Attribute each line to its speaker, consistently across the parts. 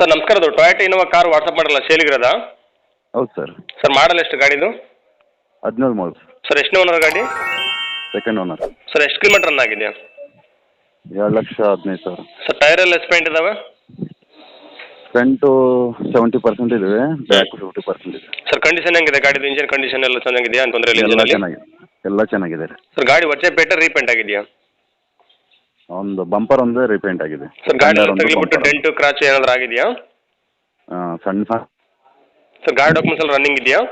Speaker 1: Sir ನಮಸ್ಕಾರ, ಅದು Toyota Innova car WhatsApp ಮಾಡಲ್ಲ ಸೇಲಿಗಿರೋದಾ?
Speaker 2: ಹೌದು ಸರ್.
Speaker 1: ಸರ್ ಮಾಡಲ್ ಎಷ್ಟು ಗಾಡಿದು?
Speaker 2: 17 ಮಾಡಲ್
Speaker 1: ಸರ್ ಎಷ್ಟು ಓನರ್ ಗಾಡಿ?
Speaker 2: Second owner.
Speaker 1: ಸರ್ ಎಷ್ಟು ಕಿಲೋಮೀಟರ್ ರನ್ ಆಗಿದೆ?
Speaker 2: 2,15,000.
Speaker 1: ಸರ್ ಟೈರ್ ಎಲ್ಲ ಎಷ್ಟು ಪಾಯಿಂಟ್ ಇದಾವೆ?
Speaker 2: ಫ್ರಂಟು 70% ಇದೆ, ಬ್ಯಾಕ್ 50% ಇದೆ.
Speaker 1: ಸರ್ ಕಂಡೀಷನ್ ಹೆಂಗಿದೆ ಗಾಡಿದು? ಇಂಜಿನ್ ಕಂಡೀಷನ್ ಎಲ್ಲ ಚೆನ್ನಾಗಿದೆಯಾ? ತೊಂದರೆ ಇಲ್ಲ
Speaker 2: ಎಲ್ಲ
Speaker 1: ಇಂಜಿನಲ್ಲಿ?
Speaker 2: ಚೆನ್ನಾಗಿದೆ, ಎಲ್ಲ ಚೆನ್ನಾಗಿದೆ ರೀ.
Speaker 1: ಸರ್ ಗಾಡಿ ವಚ್ಚೆ ಪೇಟೆ ರೀಪೇಂಟ್ ಆಗಿದೆಯಾ?
Speaker 2: ಒಂದು ಬಂಪರ್ ಒಂದೇ ರೀಪೇಂಟ್ ಆಗಿದೆ.
Speaker 1: ಸರ್ ಗಾಡಿ ತಗಲಿಬಿಟ್ಟು ಡೆಂಟು ಕ್ರಾಚ್ ಏನಾದರೂ ಆಗಿದೆಯಾ?
Speaker 2: ಸಣ್ಣ
Speaker 1: ಸರ್ ಗಾಡಿ ಡಾಕ್ಯುಮೆಂಟ್ಸ್ ಎಲ್ಲ ರನ್ನಿಂಗ್ ಇದೆಯಾ?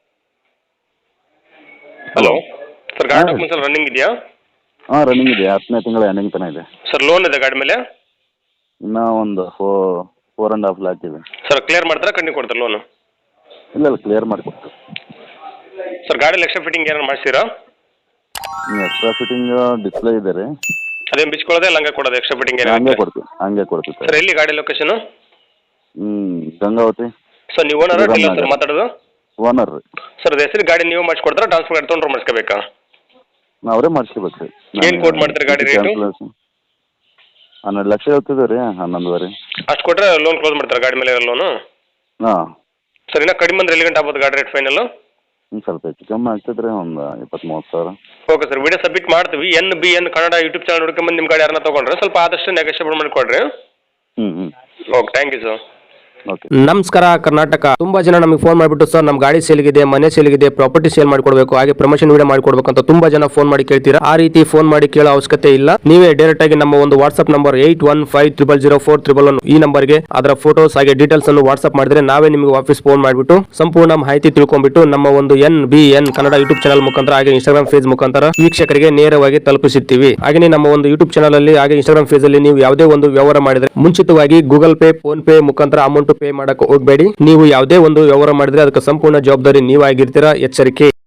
Speaker 1: ಹಲೋ ಸರ್, ಗಾಡಿ ಡಾಕ್ಯುಮೆಂಟ್ಸ್ ಎಲ್ಲ ರನ್ನಿಂಗ್ ಇದೆಯಾ?
Speaker 2: ಹಾಂ ರನ್ನಿಂಗ್ ಇದೆ, 10ನೇ ತಿಂಗಳ ಎಂಡಿಂಗ್ ತನಕ ಇದೆ.
Speaker 1: ಸರ್ ಲೋನ್ ಇದೆ ಗಾಡಿ ಮೇಲೆ?
Speaker 2: ಇನ್ನೂ ಒಂದು 4.5 lakh ಇದೆ.
Speaker 1: ಸರ್ ಕ್ಲಿಯರ್ ಮಾಡ್ತಾರಾ ಕಂಡು ಕೊಡ್ತಾರೆ ಲೋನು?
Speaker 2: ಇಲ್ಲ ಕ್ಲಿಯರ್ ಮಾಡಿಕೊಡ್ತೀವಿ.
Speaker 1: ಸರ್ ಗಾಡಿಯಲ್ಲಿ ಎಕ್ಸ್ಟ್ರಾ ಫಿಟ್ಟಿಂಗ್ ಏನಾರು ಮಾಡಿಸ್ತೀರಾ?
Speaker 2: ಎಕ್ಸ್ಟ್ರಾ ಫಿಟ್ಟಿಂಗ್ ಡಿಸ್ಪ್ಲೇ ಇದೆ ರೀ.
Speaker 1: ಅದೇನು ಬಿಚ್ಕೊಳ್ಳೋದೆ ಇಲ್ಲ ಹಂಗೆ ಕೊಡೋದು ಎಕ್ಸ್ಟ್ರಾ ಫಿಟ್ಟಿಂಗ್
Speaker 2: ಹಂಗೆ ಕೊಡ್ತೀವಿ
Speaker 1: ಸರ್. ಎಲ್ಲಿ ಗಾಡಿ ಲೊಕೇಶನು?
Speaker 2: ಗಂಗಾವತಿ.
Speaker 1: ಸರ್ ನೀವು ಓನರ್ ಡೀಲರ್ ಸರ್ ಮಾತಾಡೋದು?
Speaker 2: ಓನರ್ ರೀ.
Speaker 1: ಸರ್ ಅದು ಹೆಸರು ಗಾಡಿ ನೀವು ಮಾಡಿಸ್ಕೊಡ್ತಾರಾ ಟ್ರಾನ್ಸ್ಫರ್ ಗಾಡಿ ತೊಗೊಂಡ್ರೆ ಮಾಡಿಸ್ಕೋಬೇಕಾ?
Speaker 2: ಅವರೇ ಮಾಡಿಸ್ಕೋಬೇಕು ರೀ.
Speaker 1: ಏನು ಕೋಟ್ ಮಾಡ್ತೀರಿ ಗಾಡಿ ರೇಟು?
Speaker 2: 12 ಲಕ್ಷ ಹೇಳ್ತಿದ್ದೀವಿ ರೀ. 11.5.
Speaker 1: ಅಷ್ಟು ಕೊಟ್ಟರೆ ಲೋನ್ ಕ್ಲೋಸ್ ಮಾಡ್ತಾರೆ ಗಾಡಿ ಮೇಲೆ ಲೋನು?
Speaker 2: ಹಾಂ
Speaker 1: ಸರ್ ಇನ್ನೂ ಕಡಿಮೆ ಅಂದ್ರೆ ಎಲ್ಲಿ ಗಂಟೆ ಆಗ್ಬೋದು ಗಾಡಿ ರೇಟ್ ಫೈನಲ್ಲು?
Speaker 2: ಸ್ವಲ್ಪ ಹೆಚ್ಚು ಕಮ್ಮಿ ಆಗ್ತದೆ ರೀ, ಒಂದು 20-30 ಸಾವಿರ.
Speaker 1: ಓಕೆ ಸರ್, ವಿಡಿಯೋ ಸಬ್ಮಿಟ್ ಮಾಡ್ತೀವಿ. NBN ಕನ್ನಡ ಯೂಟ್ಯೂಬ್ ಚಾನಲ್ ಹುಡ್ಕೊಂಬಂದು ನಿಮ್ಮ ಗಾಡಿ ಯಾರನ್ನ ತೊಗೊಂಡ್ರೆ ಸ್ವಲ್ಪ ಆದಷ್ಟು ನೆಗೋಷಿಯೇಬಲ್ ಮಾಡಿಕೊಡ್ರಿ. Okay, thank you sir.
Speaker 3: ನಮಸ್ಕಾರ ಕರ್ನಾಟಕ. ತುಂಬಾ ಜನ ನಮಗೆ ಫೋನ್ ಮಾಡಿಬಿಟ್ಟು ಸರ್ ನಮ್ಮ ಗಾಡಿ ಸೇಲ್ಗಿದೆ, ಮನೆ ಸೇಲ್ಗಿದೆ, ಪ್ರಾಪರ್ಟಿ ಸೇಲ್ ಮಾಡ್ಕೊಡ್ಬೇಕು, ಹಾಗೆ ಪ್ರಮೋಷನ್ ವಿಡಿಯೋ ಮಾಡ್ಕೊಡ್ಬೇಕು ಅಂತ ತುಂಬಾ ಜನ ಫೋನ್ ಮಾಡಿ ಕೇಳ್ತೀರಾ. ಆ ರೀತಿ ಫೋನ್ ಮಾಡಿ ಕೇಳೋ ಅವಶ್ಯಕತೆ ಇಲ್ಲ. ನೀವೇ ಡೈರೆಕ್ಟ್ ಆಗಿ ನಮ್ಮ ಒಂದು ವಾಟ್ಸ್ಆಪ್ ನಂಬರ್ 8150004111 ಈ ನಂಬರ್ಗೆ ಅದರ ಫೋಟೋಸ್ ಹಾಗೆ ಡೀಟೇಲ್ಸ್ ಅನ್ನು ವಾಟ್ಸ್ಆಪ್ ಮಾಡಿದ್ರೆ ನಾವೇ ನಿಮಗೆ ವಾಪಸ್ ಫೋನ್ ಮಾಡಿಬಿಟ್ಟು ಸಂಪೂರ್ಣ ಮಾಹಿತಿ ತಿಳ್ಕೊಂಡ್ಬಿಟ್ಟು ನಮ್ಮ ಒಂದು NBN ಕನ್ನಡ ಯೂಟ್ಯೂಬ್ ಚಾನಲ್ ಮುಖಾಂತರ ಹಾಗೆ ಇನ್ಸ್ಟಾಗ್ರಾಮ್ ಪೇಜ್ ಮುಖಾಂತರ ವೀಕ್ಷಕರಿಗೆ ನೇರವಾಗಿ ತಲುಪಿಸುತ್ತೀವಿ. ಹಾಗೆ ನಮ್ಮ ಒಂದು ಯೂಟ್ಯೂಬ್ ಚಾನಲ್ ಅಲ್ಲಿ ಹಾಗೆ ಇನ್ಸ್ಟಾಗ್ರಾಮ್ ಪೇಜ್ ಅಲ್ಲಿ ನೀವು ಯಾವುದೇ ಒಂದು ವ್ಯವಹಾರ ಮಾಡಿದ್ರೆ ಮುಂಚಿತವಾಗಿ ಗೂಗಲ್ ಪೇ, ಫೋನ್ ಪೇ ಮುಖಾಂತರ ಅಮೌಂಟ್ ಪೇ ಮಾಡಕ್ಕೆ ಹೋಗಬೇಡಿ. ನೀವು ಯಾವುದೇ ಒಂದು ವ್ಯವಹಾರ ಮಾಡಿದ್ರೆ ಅದಕ್ಕೆ ಸಂಪೂರ್ಣ ಜವಾಬ್ದಾರಿ ನೀವಾಗಿರ್ತೀರಾ. ಎಚ್ಚರಿಕೆ.